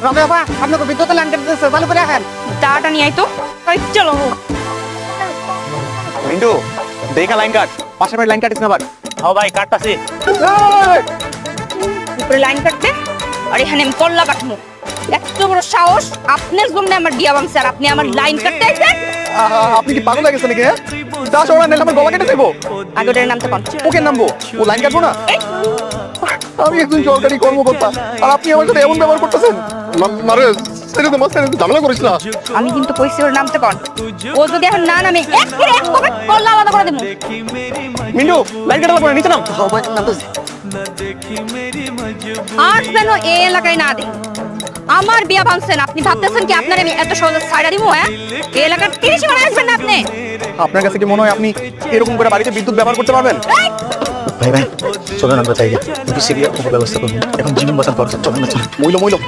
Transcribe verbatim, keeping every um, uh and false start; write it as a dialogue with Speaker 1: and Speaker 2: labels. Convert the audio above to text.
Speaker 1: রবি বাবা আপনাকে বিদ্যুতের লাইন কেটে দিয়েছে, ভালো করে রাখেন।
Speaker 2: দাঁড়াটা নিয়ে আয় তো। এই চলো।
Speaker 3: মিন্টু দেখা লাইন কাট, পাশের বাড়ি লাইন কাটিস না আবার।
Speaker 4: হ্যাঁ ভাই কাটতাছি।
Speaker 2: উপরে লাইন কাটতে আর এখানে আমি কল্লা কাটবো। এত বড় সাহস, আপনার জন্য আমার বিয়া ভাঙছে আর আপনি আমার লাইন কাটতে আইছেন?
Speaker 3: আহা, আপনি কি পাগল হয়ে গেছেন নাকি? হ্যাঁ দাস ওরা নেলে আমার গলা কেটে দেবো।
Speaker 2: আগে ওটার নামতে পান।
Speaker 3: ওকে নামবো, ও লাইন কাটবো না।
Speaker 2: এই,
Speaker 3: আমি একজন সরকারি কর্মকর্তা আর আপনি আমার সাথে এমন ব্যবহার করতেছেন।
Speaker 5: মারে সেটা তো মাঝখানে ঝামেলা করিস না।
Speaker 2: আমি কিন্তু কইছি ওর নামতে পান। ও যদি এখন না নামে এক করে এক কবে কল্লা আলাদা করে দেবো।
Speaker 3: মিন্টু লাইন কাটার পরে নিচে নাম।
Speaker 2: আর যেন এই এলাকায় না দেয়। আমার বিয়া ভাঙছেন, আপনি ভাবতেছেন কি আপনার আমি এত সহজে ছাইড়া দিব? হ্যাঁ, এই এলাকার তিরিশ মানে আসবেন না আপনি।
Speaker 3: আপনার কাছে কি মনে হয় আপনি এরকম করে বাড়িতে বিদ্যুৎ ব্যবহার করতে পারবেন?
Speaker 2: এই,
Speaker 5: ভাই ভাই চলেন আমরা যাই, একটু সিরিয়াস ব্যবস্থা করবো, এখন জীবন বাঁচার দরকার, চলেন না চলেন।
Speaker 3: মইল মইল